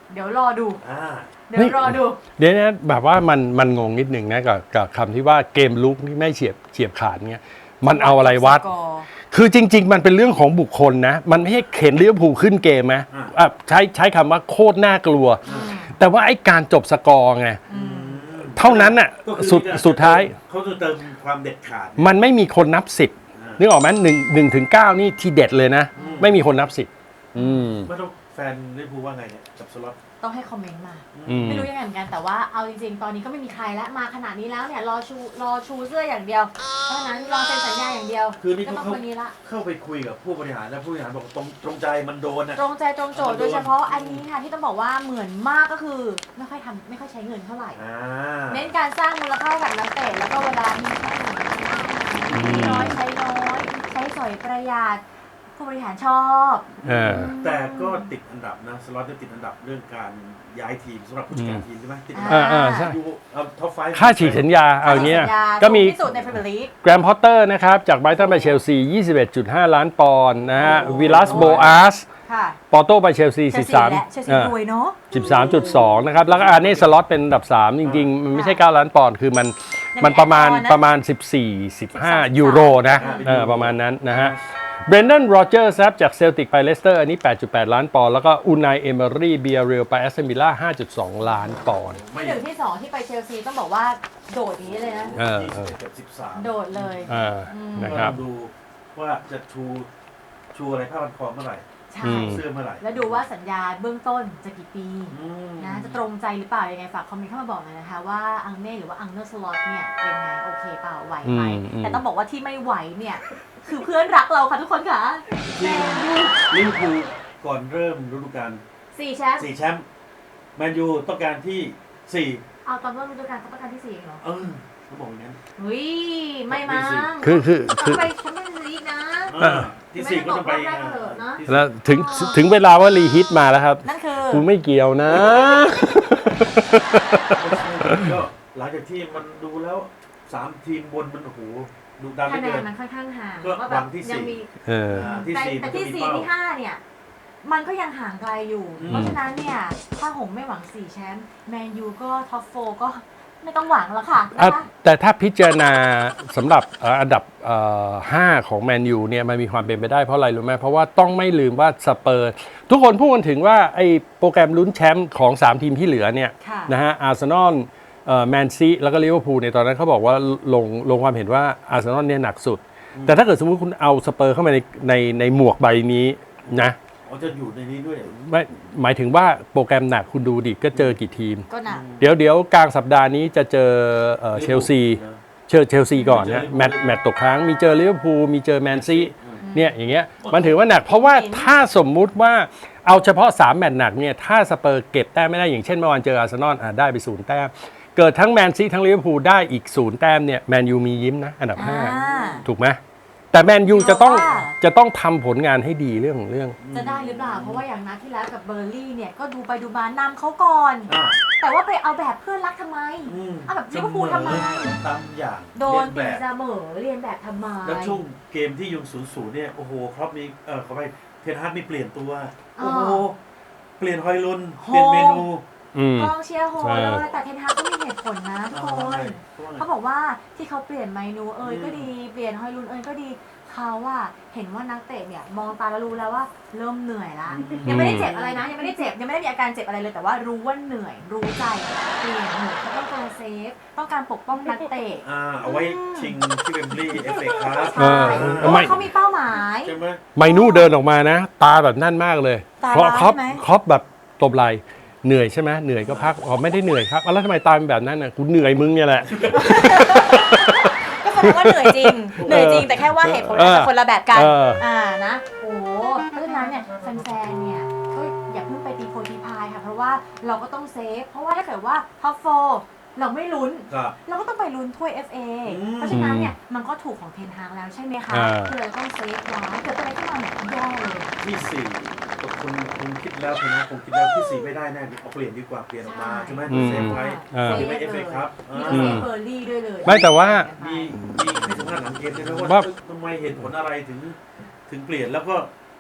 Speaker 1: เดี๋ยวรอดู
Speaker 3: อ่า
Speaker 1: เดี๋ยวรอดู
Speaker 2: เดี๋ยวนะแบบว่ามันมันงงนิดหนึ่งนะกับกับคำที่ว่าเกมลุกนี่ไม่เฉียบเฉียบขาดเงี้ยมันเอาอะไรวัด
Speaker 1: สกอร์
Speaker 2: คือจริง ๆ มันเป็นเรื่องของบุคคลนะ มันไม่ใช่เข็นลิเวอร์พูลขึ้นเกมนะอ่ะใช้ใช้คำว่าโคตรน่ากลัว แต่ว่าไอ้การจบสกอร์ไง เท่านั้นน่ะ
Speaker 3: ก็คือ
Speaker 2: สุด
Speaker 3: มีกร
Speaker 2: สุดท้าย
Speaker 3: เขาจะเติมความเด็ดขาด
Speaker 2: มันไม่มีคนนับสิบนึกออกไหมหนึ่งหนึ่งถึงเก้านี่ทีเด็ดเลยนะ ไม่มีคนนับสิบอืม
Speaker 3: ไม่ต้องแฟนลิเวอร์พูลว่าไงเนี่ยกับสล็อต
Speaker 1: ต้องให้คอมเมนต์มา
Speaker 2: อืม
Speaker 1: ไม่รู้ยังไงเหมือนกันแต่ว่าเอาจริงๆ ตอนนี้ก็ไม่มีใครแล้วมาขนาดนี้แล้วเนี่ยรอชูรอชูเสื้ออย่างเดียวเพราะฉะนั้นรอเซ็นสัญญาอย่างเดียว
Speaker 3: คือนี่
Speaker 1: ก็
Speaker 3: เขา
Speaker 1: ต้อง
Speaker 3: เข้า
Speaker 1: คนนี้ละ
Speaker 3: เข้าไปคุยกับผู้บริหารแล้วผู้บริหารบอกตรงตรงใจมันโดนอ่ะ
Speaker 1: ตรงใจตรงโจทย์โดยเฉพาะอันนี้ค่ะที่ต้องบอกว่าเหมือนมากก็คือไม่ค่อยทำไม่ค่อยใช้เงินเท่าไหร่
Speaker 3: อ่า
Speaker 1: เน้นการสร้างมูลค่าให้กับนักเตะแล้วก็เวลามีแค่ไหนมีน้อยใช้น้อยใช้สอยประหยัดผู้บริหารชอบ
Speaker 2: เออ
Speaker 3: แต่ก็ติดอันดับนะสล็อตจะติดอันดับเรื่องการย้ายทีมสำหรับผู้จัดการทีมใช่ไหมติดอันดับ
Speaker 2: อ่าอ่าใช่
Speaker 3: อยู่เอาท็อปไฟ
Speaker 2: ค่าฉีกสัญญาเอาอย่างเงี้ย
Speaker 1: สัญญา
Speaker 2: ก็มี
Speaker 1: สูงที่สุดในพรีเมียร์ลีก
Speaker 2: แกรมพอตเตอร์นะครับ จากไบรตันไปเชลซี ยี่สิบเอ็ดจุดห้า ล้านปอนด์นะฮะวิลัสโบอาส
Speaker 1: ค่ะ
Speaker 2: ปอร์โตไปเชลซี
Speaker 1: เชล
Speaker 2: สิบ
Speaker 1: ซี
Speaker 2: สาม
Speaker 1: และเชลซี
Speaker 2: เออ
Speaker 1: รวยเนาะ
Speaker 2: สิบสามจุดสอง นะครับ แล้วก็อาร์เน่สล็อตเป็นอันดับ สาม จริง ๆ มันไม่ใช่ เก้า ล้านปอนด์คือมัน
Speaker 1: ยังมี
Speaker 2: มันประมาณ
Speaker 1: แอดออนนะ
Speaker 2: ประมาณ สิบสี่ สิบห้า ยูโรนะเออประมาณนั้นนะฮะเบรนด o นโรเจอร์ครับจากเซลติกไปเลสเตอร์อันนี้ แปดจุดแปด ล้านปอนด์แล้วก็อูนายเอเมอรี่เบียเรลไปแอสตันวิลล่า ห้าจุดสอง ล้านปอนด์
Speaker 3: ไม่
Speaker 1: ที่หนึ่งที่สองที่ไปเชลซีต้องบอกว่าโดดอย่างนี้เลยนะ
Speaker 2: เออ
Speaker 3: ยี่
Speaker 2: เอ
Speaker 3: สิบ
Speaker 2: อ
Speaker 3: เอ็ดกับสิบสาม
Speaker 1: โดดเลย
Speaker 2: อ่านะครับ
Speaker 3: ก็ต้องดูว่าจะชูชูอะไรผ้าพันคอเมื่อไหร่
Speaker 1: ใช่
Speaker 2: อืม
Speaker 3: เสื้อเมื่อไหร่
Speaker 1: แล้วดูว่าสัญญาเบื้องต้นจะกี่ปี
Speaker 3: อืม
Speaker 1: นะจะตรงใจหรือเปล่ายังไงฝากคอมเมนต์เข้ามาบอกหน่อยนะคะว่าอังเน่หรือว่าอังเนอร์สล็อตเนี่ยเป็นไงโอเคเปล่าไหวไหม
Speaker 2: อืมอืม
Speaker 1: แต่ต้องบอกว่าที่ไม่ไหวเนี่ยคือเพื่อนรักเราค่ะทุกคนค่ะ
Speaker 3: จริงลิเวอร์พูลก่อนเริ่มฤดูกาล
Speaker 1: สี่แชมป์
Speaker 3: สี่แชมป์แมนยูต้องการที่สี่
Speaker 1: เอาตอนเริ่มฤดูกาลเขาต้องการที่สี่เหรอ
Speaker 3: เออเขาบอกอย่างนั้น
Speaker 1: เฮ้ยไม่มั้ง
Speaker 2: คือคือคือ
Speaker 1: ไปแชมเปี้ยนส์ลีกนะ
Speaker 3: เออที่สี่ก็ต้องไป
Speaker 1: ไม่ได้บอกรอบแรกเถอะนะ
Speaker 3: ที่สี่
Speaker 2: แล้วถึงถึงเวลาว่ารีฮิตมาแล้วครับ
Speaker 1: นั่นคือ
Speaker 2: กูไม่เกี่ยวนะ
Speaker 3: ก็หลังจากที่มันดูแล้วสามทีมบนมันโอ้โหดูดัน
Speaker 1: คะ
Speaker 3: ไม่
Speaker 1: แน
Speaker 3: เกิ
Speaker 1: น
Speaker 3: น
Speaker 1: มันค่อนข้างห่าง
Speaker 3: ก็
Speaker 1: ว่าแบ
Speaker 3: หวั
Speaker 1: บ
Speaker 3: งที่
Speaker 1: ยัง
Speaker 3: สี่
Speaker 1: มี
Speaker 2: เออ
Speaker 3: อ่าที่
Speaker 1: แต่
Speaker 3: สี่
Speaker 1: แต่
Speaker 3: มันก็
Speaker 1: ที่
Speaker 3: มี
Speaker 1: สี่
Speaker 3: เป้า
Speaker 1: ที่ห้าเนี่ย มันก็ยังห่างไกลอยู่
Speaker 3: อืม
Speaker 1: เพราะฉะนั้นเนี่ย ถ้าหงไม่หวังสี่แชมป์แมนยูก็ท็อปโฟก็ไม่ต้องหวังแล้วค่ะ
Speaker 2: อ่ะ
Speaker 1: นะคะ
Speaker 2: แต่ถ้าพิจารณาสำหรับเอ่ออันดับเอ่อห้าของแมนยูเนี่ยมันมีความเป็นไปได้เพราะอะไรรู้ไหมเพราะว่าต้องไม่ลืมว่าสเปอร์ทุกคนพูดกันถึงว่าไอ้โปรแกรมลุ้นแชมป์ของ สาม ทีมที่เหลือเนี่ย
Speaker 1: ค่ะ
Speaker 2: นะฮะอาร์เซนอลแมนซีแล้วก็ลิเวอร์พูลในยตอนนั้นเขาบอกว่าลงลงความเห็นว่าอาร์เซนอลเนี่ยหนักสุด แต่ถ้าเกิดสมมติคุณเอาสเปอร์เข้ามาในในในหมวกใบนี้นะ
Speaker 3: อ๋อจะอยู่ในนี้ด้วยเหรอ
Speaker 2: ไม่หมายถึงว่าโปรแกรมหนักคุณดูดิก็เจอกี่ทีม
Speaker 1: ก็หนัก
Speaker 2: เดี๋ยวเดี๋ยวกลางสัปดาห์นี้จะเจอเอ่อเชลซี
Speaker 3: นะ
Speaker 2: เจอเชลซีก่อนนะแมตช์แมตช์ตกค้างมีเจอลิเวอร์พูลมีเจอแมนซีเนี่ยอย่างเงี้ยมันถือว่าหนัก เพราะว่าถ้าสมมุติว่าเอาเฉพาะสามแมตช์หนักเนี่ยถ้าสเปอร์เก็บแต้มไม่ได้อย่างเช่นเมื่อวานเจออาร์เซนอลอ่ะได้ไปศูนย์แต้มเกิดทั้งแมนซีทั้งลิเวอร์พูลได้อีกศูนย์แต้มเนี่ยแมนยูมียิ้มนะอันดับห้า
Speaker 1: อ่า
Speaker 2: ถูกไหมแต่แมนยูจะต้อง
Speaker 1: เพราะว่า
Speaker 2: จะต้องทำผลงานให้ดีเรื่องของเรื่อง
Speaker 1: จะได้หรือเปล่า เพราะว่าอย่างนัดที่แล้วกับเบอร์ลี่เนี่ยก็ดูไปดูมานำเขาก่อน
Speaker 3: อ่า
Speaker 1: แต่ว่าไปเอาแบบเพื่อนรักทำไม
Speaker 3: อืม
Speaker 1: เอาแบบลิเวอร์พูลทำไม
Speaker 3: ตามอย่าง
Speaker 1: โดน
Speaker 3: เรี
Speaker 1: ตี
Speaker 3: ยนแบบ
Speaker 1: เสมอเรียนแบบทำไม
Speaker 3: แล้วช่วงเกมที่ยุงศูนย์ศูนย์เนี่ยโอ้โหครับมีเออเขาไปเทนฮาร์ดมีเปลี่ยนตัว
Speaker 1: อ่า
Speaker 3: โอ้โหเปลี่ยนฮอยลุนเปลี่ยนเมนู
Speaker 2: อืม
Speaker 1: กองเชียร์โห
Speaker 2: ใช่
Speaker 1: เลยแต่เทนฮากก็มีเหตุผลนะทุกคน
Speaker 3: เขาว่าไง
Speaker 1: เขาบอกว่าที่เขาเปลี่ยนเมนูเอยก็ดีเปลี่ยนฮอยลุนเอยก็ดีเขาว่าเห็นว่านักเตะเนี่ยมองตาแล้วรู้แล้วว่าเริ่มเหนื่อยละยังไม่ได้เจ็บอะไรนะยังไม่ได้เจ็บยังไม่ได้มีอาการเจ็บอะไรเลยแต่ว่ารู้ว่าเหนื่อยรู้ใจเปลี่ยนหนูเขาต้องการเซฟต้องการปกป้องนักเตะ
Speaker 3: อ่าเอาไว้ชิงที่เวมบลีย์เอฟเอครับ
Speaker 2: เออ
Speaker 1: เพราะ
Speaker 2: ไม่
Speaker 1: ว่าเขามีเป้าหมาย
Speaker 3: ใช่ไหม
Speaker 2: ไมนูเดินออกมานะ ตาแบบนั่นมากเลย
Speaker 1: ตา
Speaker 2: เพราะ
Speaker 1: ร้าย
Speaker 2: ครอป
Speaker 1: ใช่ไหม
Speaker 2: ครอปแบบตบไหลเหนื่อยใช่ไหมเหนื่อยก็พักอ๋อไม่ได้เหนื่อยครับอ่ะแล้วทำไมตาเป็นแบบนั้นน่ะกูเหนื่อยมึงเนี่ยแหละ
Speaker 1: ก็แสดงว่าเหนื่อยจริงเหนื่อยจริงแต่แค่ว่าเหตุผลอาจจะคนละแบบกัน
Speaker 2: เออ
Speaker 1: อ่านะโอ้เพราะฉะนั้นเนี่ยแฟนๆเนี่ยก็อย่าเพิ่งไปตีโพตีพายค่ะเพราะว่าเราก็ต้องเซฟเพราะว่าถ้าเกิดว่าท็อปโฟเราไม่ลุ้น
Speaker 3: ครับ
Speaker 1: เราก็ต้องไปลุ้นถ้วย เอฟ เอ
Speaker 3: อืม
Speaker 1: เพราะฉะนั้นเนี่ยมันก็ถูกของเทนฮากแล้วใช่ไหมคะ
Speaker 2: อ่า
Speaker 1: คือเราต้องเซฟไว้เกิดอะไรขึ้นมาเนี่ยแย่เลย
Speaker 3: ที่สี่คุณคุณคิดแล้วคุณนะคุณคิดแล้วที่สี่ไม่ได้แน่เอาเปลี่ยนดีกว่าเปลี่ยนออกมาใช่ไหม
Speaker 2: อืม
Speaker 3: เซฟไว้
Speaker 2: อ่า
Speaker 3: เก็บไว้เอฟเอครับ
Speaker 1: มี
Speaker 3: อ่า
Speaker 1: เซฟเบอร์ลี่ด้วยเลย
Speaker 2: ไม่แต่ว่า
Speaker 3: มีมีให้สัมภาษณ์หลังเกมด้วยนะ
Speaker 2: ว่า
Speaker 3: ว่าทำไมเหตุผลอะไรถึงถึงเปลี่ยนแล้วก็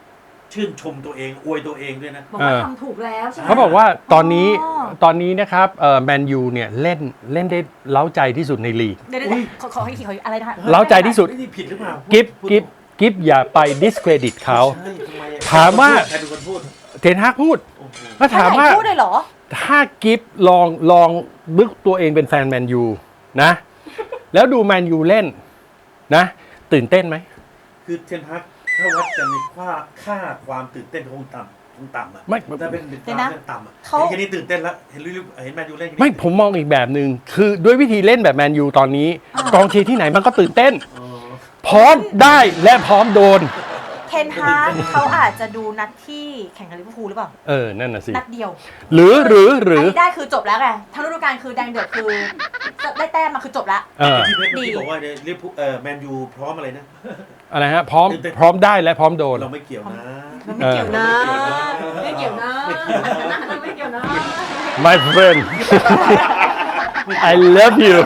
Speaker 3: ชื่นชมตัวเองอวยตัวเองด้วยนะ
Speaker 1: บอกว่า
Speaker 2: เออ
Speaker 1: ทำถูกแล้วใช่ไหม
Speaker 2: เขาบอกว่าตอนนี้
Speaker 1: อ๋อ
Speaker 2: ตอนนี้นะครับเอ่อแมนยูเนี่ยเล่นเล่นได้เล้าใจที่สุดในลีก
Speaker 1: เดี๋ยวเดี๋ยว
Speaker 3: อุ๊ย
Speaker 1: ขอขอให้ขออะไรนะคะ
Speaker 2: เล้าใจที่สุด
Speaker 3: นี่ผิดหรือเปล่า
Speaker 2: กิฟ
Speaker 3: พูด
Speaker 2: กิฟกิฟอย่าไป discredit เขา
Speaker 3: ใช่ทำไมอะ
Speaker 2: ถามว่า
Speaker 3: ใครเป็นคนพูด
Speaker 2: เทนฮากพูด
Speaker 3: โอ้โห
Speaker 2: ก็ถามว่า
Speaker 1: พูดเลยเหรอ
Speaker 2: ถ้ากิฟลองลองบึกตัวเองเป็นแฟนแมนยูนะ แล้วดูแมนยูเล่นนะ ตื่นเต้นไหม
Speaker 3: คือเทนฮักถ้าวัดกันในค่าค่าความตื่นเต้นคงต่ำคงต่ำอ่ะ
Speaker 2: ไม่
Speaker 3: ถ้าเป็นเป็น
Speaker 1: เดี๋ยวนะ
Speaker 3: ความต่ำอ่ะ
Speaker 1: เขา
Speaker 3: เห็นแค่นี้ตื่นเต้นแล้วเห็นลิเวอร์เห็นแมนยูเล่นแค่นี้
Speaker 2: ไม่ผมมองอีกแบบหนึ่งคือด้วยวิธีเล่นแบบแมนยูตอนนี้ กองเชียร์ที่ไหนมันก็ตื่นเต้น
Speaker 3: อ๋อ
Speaker 2: พร้อมได้และพร้อมโดน
Speaker 1: เทนฮากเขาอาจจะดูนัดที่แข่งกับลิเวอร์พูลหรือเปล่า
Speaker 2: เออ นั่นน่ะสิ
Speaker 1: นัดเดียว
Speaker 2: หรือหรือหรือ
Speaker 1: นนี้ได้คือจบแล้วไงทั้งฤดูกาลคือแดงเดือดคือได้แต้มมาคือจบแล้ว
Speaker 2: เออ
Speaker 3: ที่เพชรเมื่อ
Speaker 1: ดี
Speaker 3: กี้บอกว่าเนี่ยลิเวอร์พูลเอ่อแมนยูพร้อมอะไรนะ
Speaker 2: อะไรฮะ พร้อม
Speaker 3: ตื่นเต้น
Speaker 2: พร้อมได้และพร้อมโดน
Speaker 3: เราไม่เกี่ยวนะ
Speaker 1: ไม่เกี่ยวนะ ไม่เกี่ยวนะ ไม่เกี่ยวนะ
Speaker 2: my friend I love you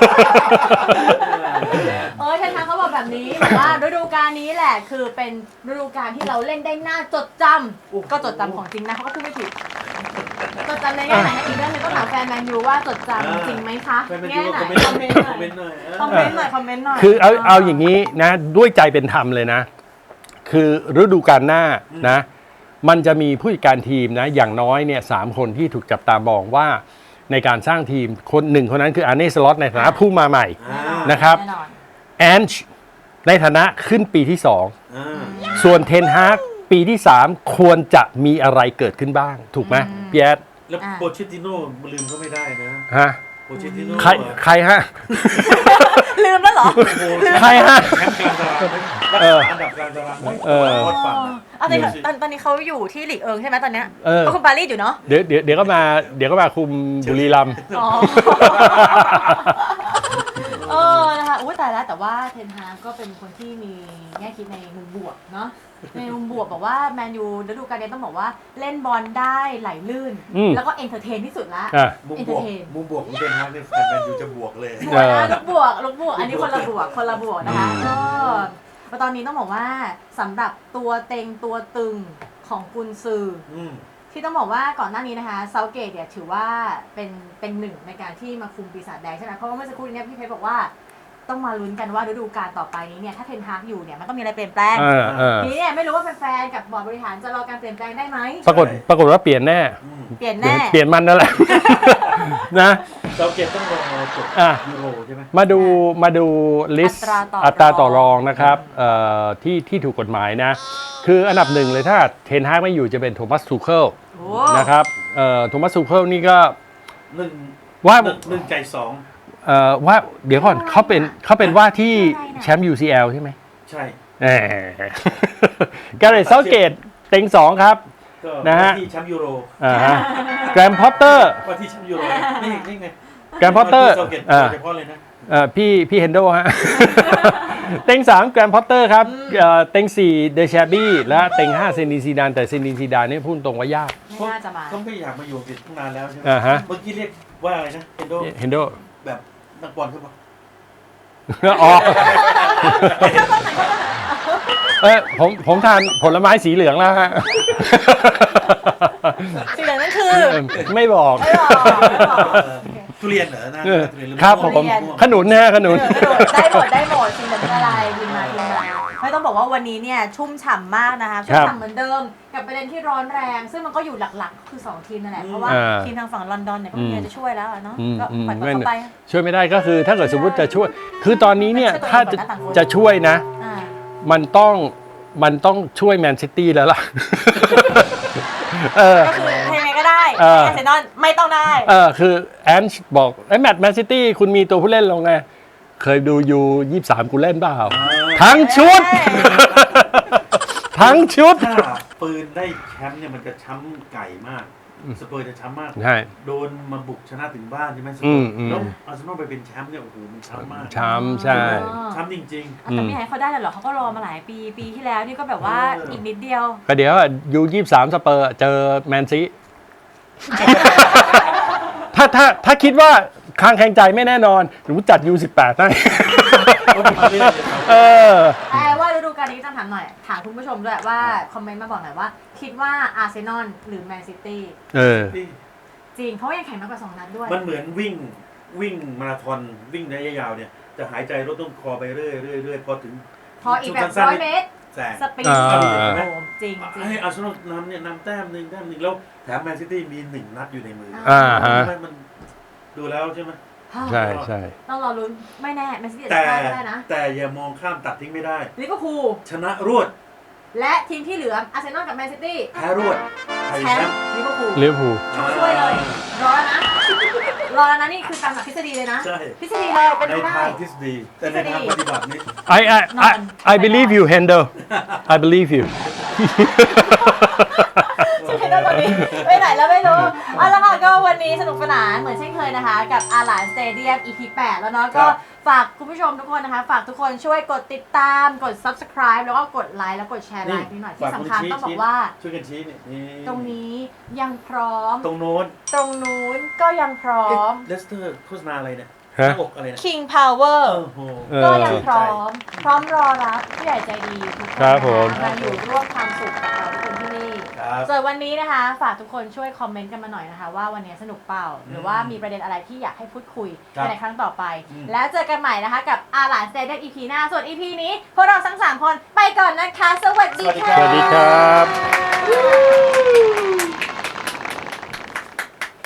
Speaker 1: เออเทนฮากเขาบอกแบบนี้บอกว่าฤดูกาลนี้แหละคือเป็นฤดูกาลที่เราเล่นได้น่าจดจำก็จดจำของจริงนะเขาก็พูดไม่ผิดจดจำในแง่ไหนนะอีกเรื่องหนึงต้องถามแฟนแมนยูว่าจดจำจริงไหมคะ
Speaker 3: แฟนแมนยู
Speaker 1: แง่ไหน
Speaker 3: คอมเมนต์
Speaker 1: คอมเมนต์หน่อย
Speaker 3: คอมเมนต์หน่อยเออ
Speaker 1: คอมเมนต์หน่อยคอมเมนต์หน่อย
Speaker 2: คือเอาเอาอย่างนี้นะ ด้วยใจเป็นธรรมเลยนะ คือฤดูกาลหน้านะ มันจะมีผู้จัดการทีมนะ อย่างน้อยเนี่ยสามคนที่ถูกจับตามองว่าในการสร้างทีมคนหนึ่งคนนั้นคืออาร์เน่สล็อตในฐานะผู้มาใหม่
Speaker 3: อ่า
Speaker 2: นะครับ
Speaker 1: แน่นอน
Speaker 2: แอนช์ในฐานะขึ้นปีที่สอง
Speaker 3: อ่า
Speaker 2: ส่วนเทนฮากปีที่สามควรจะมีอะไรเกิดขึ้นบ้าง ถูกไหมพี่แอด
Speaker 3: แล้ว
Speaker 1: อ่า
Speaker 3: โปเชตติโน่ลืมก็ไม่ได้นะ
Speaker 2: ฮะ
Speaker 3: โปเชตติโน่
Speaker 2: ใครใครฮะ
Speaker 1: ลืมแล้วเหรอ
Speaker 3: โอ้โห
Speaker 2: ใครฮะ
Speaker 3: แชมป์กลางตารางไหม
Speaker 2: เออ
Speaker 3: อันดับกลางตารางไหม
Speaker 2: เออ
Speaker 3: โคตรฝันอะ
Speaker 1: เอาตอนนี้ตอนตอนนี้เขาอยู่ที่หลีกเอิงใช่ไหมตอนเนี้ย
Speaker 2: เออ
Speaker 1: ก็คุณปารีสอยู่เนาะ
Speaker 2: เดี๋ยวเดี๋ยวเดี๋ยวก็มาเดี๋ยวก็มาคุมบุรีรัมย์
Speaker 1: อ๋อ เออ นะคะอุ้ยตายแล้วแต่ว่าเทนฮากก็เป็นคนที่มีแง่คิดในมุมบวกเนาะ ในมุมบวกบอกว่าแมนยูฤดูกาลนี้ต้องบอกว่าเล่นบอลได้ไหลลื่น
Speaker 2: อืม
Speaker 1: แล้วก็เอนเตอร์เทนที่สุดละ
Speaker 2: อ่ะ
Speaker 3: มุมบวก
Speaker 1: Entertain
Speaker 3: มุมบวกของเทนฮากเนี่ยแฟนแมนยูจะบวกเลย
Speaker 1: บวกนะลูกบวกลูกบวก อันนี้คนละบวก คนละบวกนะคะ
Speaker 2: อืม
Speaker 1: ก็ตอนนี้ต้องบอกว่าสำหรับตัวเต็งตัวตึงของกุนซือ
Speaker 3: อืม
Speaker 1: ที่ต้องบอกว่าก่อนหน้านี้นะคะเซาเกตเนี่ยถือว่าเป็นเป็นหนึ่งในการที่มาคุมปีศาจแดงใช่ไหมเพราะว่าเมื่อสักครู่นี้เนี่ยพี่เพชรบอกว่าต้องมาลุ้นกันว่าฤดูกาลต่อไปนี้เนี่ยถ้าเทนฮากอยู่เนี่ยมันต้องมีอะไรเปลี่ยนแปลง
Speaker 2: เออเออ
Speaker 1: ทีนี้เนี่ยไม่รู้ว่าแฟนๆกับบอร์ดบริหารจะรอการเปลี่ยนแปลงได้ไหม
Speaker 2: ปรากฏปรากฏว่าเปลี่ยนแน่
Speaker 3: อืม
Speaker 1: เปลี่ยน
Speaker 2: เปลี่ย
Speaker 1: แน่
Speaker 2: นเปลี่ยนมันนั่นแหละ นะ
Speaker 3: เราเก็บต้องรอจบ
Speaker 2: อ่ะ
Speaker 3: ยูโรใช่ไหม
Speaker 2: มาดูมาดูลิสต์
Speaker 1: อัตราต่อ
Speaker 2: อัตราต่อร
Speaker 1: ร
Speaker 2: อ
Speaker 1: อง ง
Speaker 2: นะครับเอ่อที่ที่ถูกกฎหมายนะ คืออันดับหนึ่งเลยถ้าเทนฮากไม่อยู่จะเป็นโทมัสทูเคิล
Speaker 1: โอ้
Speaker 2: นะครับเอ่อโทมัสทูเคิลนี่ก็
Speaker 3: หนึ่ง
Speaker 2: ว่า
Speaker 3: หนึ่งหนึ่งใจสอง
Speaker 2: เอ่อว่าเดี๋ยวก่อนเขาเป็นเขาเป็นว่าที่แชมป์ ยู ซี แอล ใช่ไหม
Speaker 3: ใช่
Speaker 2: แหม กาเรตเซาเกตเต็งสองครับ
Speaker 3: ก็
Speaker 2: นะฮะ
Speaker 3: ว่าที่แชมป์ยูโร
Speaker 2: อ่าฮะแกรมพอตเตอร์
Speaker 3: ว่าที่แชมป์ยูโรนี่นี่ไง
Speaker 2: แกรมพอตเตอร์
Speaker 3: เราเก็บ
Speaker 2: อ่า
Speaker 3: เฉพาะเลยนะ
Speaker 2: เอ่อพี่พี่เฮนโดฮะ เต็งสามแกรมพอตเตอร์ครับเอ่อเต็งสี่เดชาบี้และเต็งห้าเซนินซีดานแต่เซนินซีดานนี่พูดตรงว่ายาก
Speaker 1: ไม่น่าจะมา
Speaker 3: เขาไม่อยากมาอยู่อังกฤษตั้งนานแล้วใช่ไหม
Speaker 2: อ่าฮะ
Speaker 3: เมื่อกี้เรียกว่าอะไรนะเอนโด
Speaker 2: เฮนโด
Speaker 3: แบบนักบอลเขาบอก
Speaker 2: อ๋อเออผมผมทานผลไม้สีเหลืองแล้วฮะ
Speaker 1: สิ่งเหล่านั้นคือ
Speaker 2: ไม่บอก
Speaker 1: ไม่บอกไม่บอก
Speaker 3: ทุเรียนเหรอนะ
Speaker 2: เออ
Speaker 3: ทุเยนหอ
Speaker 2: ครับ
Speaker 3: มะ
Speaker 2: ผ
Speaker 3: ม่ว
Speaker 2: ม
Speaker 3: งะม่วง
Speaker 2: ขนุนนะฮะขนุน
Speaker 1: เออได้หมดได้หมดสิ่งเหล่านั้นอะไรบินมาบินมาไม่ต้องบอกว่าวันนี้เนี่ยชุ่มฉ่ำมากนะคะชุ่มฉ่ำเหมือนเดิมกับประเด็นที่ร้อนแรง ซึ่งมันก็อยู่หลักๆ คือสองทีมนั่นแหละเพราะว่า
Speaker 2: อ่า
Speaker 1: ทีมทางฝั่งลอนดอนเนี่ยก็มีอะไรจะช่วยแล้วอะเนาะ
Speaker 2: อืม
Speaker 1: ก็
Speaker 2: อืม
Speaker 1: ปล่อย
Speaker 2: ไม่
Speaker 1: เขาไป
Speaker 2: ช่วยไม่ได้ก็คือถ้าเกิดสมมติจะช่วย คือตอนนี้เนี่ย
Speaker 1: ช่วยตัวเอง
Speaker 2: ถ้าจะ
Speaker 1: ก่อนนะต่างคน
Speaker 2: จะช่วยนะ
Speaker 1: อ่า
Speaker 2: มันต้องมันต้องช่วยแมนซิตี้แล้วล่ะ เออ
Speaker 1: ก็คือยังไงก็ได้
Speaker 2: เออ
Speaker 1: แอร์เซนอลไม่ต้องได้
Speaker 2: เออคือแอนช์บอกไอ้แมตช์แมนซิตี้คุณมีตัวผู้เล่นลงไง เคยดูยูยี่สามกูเล่นเปล่า ทั้งชุด ทั้งชุด
Speaker 3: ถ้าปืนได้แชมป์เนี่ยมันจะช้ำไก่มากสเปอร์จะช้ำมาก
Speaker 2: ใช่
Speaker 3: โดนมาบุกชนะถึงบ้านใช่ไหมสเป
Speaker 2: อื
Speaker 3: อ
Speaker 2: ม
Speaker 3: ร์
Speaker 2: อืม
Speaker 3: แล้วอาร์เซนอลไปเป็นแชมป์เนี่ยโอ้โหมันช้ำมาก
Speaker 2: ช้ำใช่
Speaker 1: อ๋อ
Speaker 3: ช้ำจริง
Speaker 1: อ่ะแต่ไม่ให้เขาได้หรอกเขาก็รอมาหลายปีปีที่แล้วนี่ก็แบบว่า
Speaker 3: เอออี
Speaker 1: อีกนิดเดียว
Speaker 2: ก็เดี๋ยวยูยี่สามสเปอร์เจอแมนซี ถ้าถ้าถ้าคิดว่าคางแข่งใจไม่แน่นอนหนูจัด ยู สิบแปด ให้
Speaker 3: ๆเขาเป็นเล่นเลยครับ
Speaker 2: เออ
Speaker 1: แต่ว่าฤดูกันนี้จะถามหน่อยถามคุณผู้ชมด้วยว่าคอมเมนต์มาบอกหน่อยว่า คิดว่าอาร์เซนอลหรือแมนซิตี้
Speaker 2: เออ
Speaker 1: จริงเพราะว่ายังแข่งมากกว่าสองนัดด้วย
Speaker 3: มันเหมือนวิ่งวิ่งมาราธอนวิ่งระยะยาวเนี่ยจะหายใจลดต้นคอไปเรื่อยเรื่อยเรื่อยพอถึง
Speaker 1: พออีกแบบร้อยเมตร
Speaker 3: แสง
Speaker 1: สปีด
Speaker 2: อ่า
Speaker 1: โอ้โหจริงจริง
Speaker 3: ให้อาร์เซนอลนำเนี่ยนำแต้มหนึ่งแต้มหนึ่งแล้วแถมแมนซิตี้มีหนึ่งนัดอยู่ในมือ
Speaker 2: อ่าฮะ
Speaker 3: มันดูแล้วใช่ไหม
Speaker 2: ใช่ใช่
Speaker 1: ต้องรอลุ้นไม่แน่แมนซิตี้อาจ
Speaker 3: แต่
Speaker 1: จะพลาดก็ได้นะ
Speaker 3: แต่อย่ามองข้ามตัดทิ้งไม่ได้
Speaker 1: ลิเวอร์พูล
Speaker 3: ชนะรวด
Speaker 1: และทีมที่เหลืออาร์เซนอลกับแมนซิตี้
Speaker 3: แพ้รวดไทย
Speaker 1: แช
Speaker 3: แช
Speaker 1: ม
Speaker 3: ม
Speaker 1: ป์
Speaker 3: ป์
Speaker 1: ลิเวอร์พูล
Speaker 2: ลิเวอร์พูล
Speaker 1: ช่วยเลย รอแล้วนะ รอแล้วนะนี่คือตามหลักทฤษฎีเลยนะ
Speaker 3: ใช่
Speaker 1: ทฤษฎีเลยเป็น
Speaker 3: ใน
Speaker 1: ไปได้
Speaker 3: ทางทฤษฎีแต่ในทางปฏิบัตินี่
Speaker 2: I I I I believe you Handel I believe you
Speaker 1: สุดท้ายแล้วตอนนี้ไปไหนแล้วไม่รู้เอาละค่ะก็วันนี้สนุกสนานเหมือนเช่นเคยนะคะ กับอาหลานสเตเดียม อี พี แปดแล้วเนาะก็ฝากคุณผู้ชมทุกคนนะคะ ฝากทุกคนช่วยกดติดตามกด subscribe แล้วก็กดไลค์แล้วกดแชร์ไลค์นิดหน่อยที่สำคัญต้องบอกว่า
Speaker 3: ช่วยกันชี้นี่นี่
Speaker 1: ตรงนี้ยังพร้อม
Speaker 3: ตรงโน้น
Speaker 1: ตรงนู้นก็ยังพร้อม
Speaker 3: เลสเตอร์โฆษณาอะไรเนี่ย
Speaker 2: ฮะ
Speaker 3: หน้าอกอะไรเนี่ย
Speaker 1: King Power
Speaker 3: โอ้โห
Speaker 2: เออ
Speaker 1: ก็ยังพร้อม พร้อมรอรับผู้ใหญ่ใจดีทุกคน
Speaker 2: ครับผม
Speaker 1: นะคะมาอยู่ร่วมความสุขกับเราทุกคนที่นี่
Speaker 3: ครับ
Speaker 1: ส่วนวันนี้นะคะ ฝากทุกคนช่วยคอมเมนต์กันมาหน่อยนะคะ ว่าวันนี้สนุกเปล่า หรือว่ามีประเด็นอะไรที่อยากให้พูดคุย
Speaker 3: ครับ
Speaker 1: ในครั้งต่อไป
Speaker 3: อืม
Speaker 1: แล้วเจอกันใหม่นะคะ กับอาหลานสเตเดียม อี พี หน้า ส่วน อี พี นี้พวกเราทั้งสามคนไปก่อนนะคะ สวัสดีค่ะ
Speaker 2: สวัสดีครับ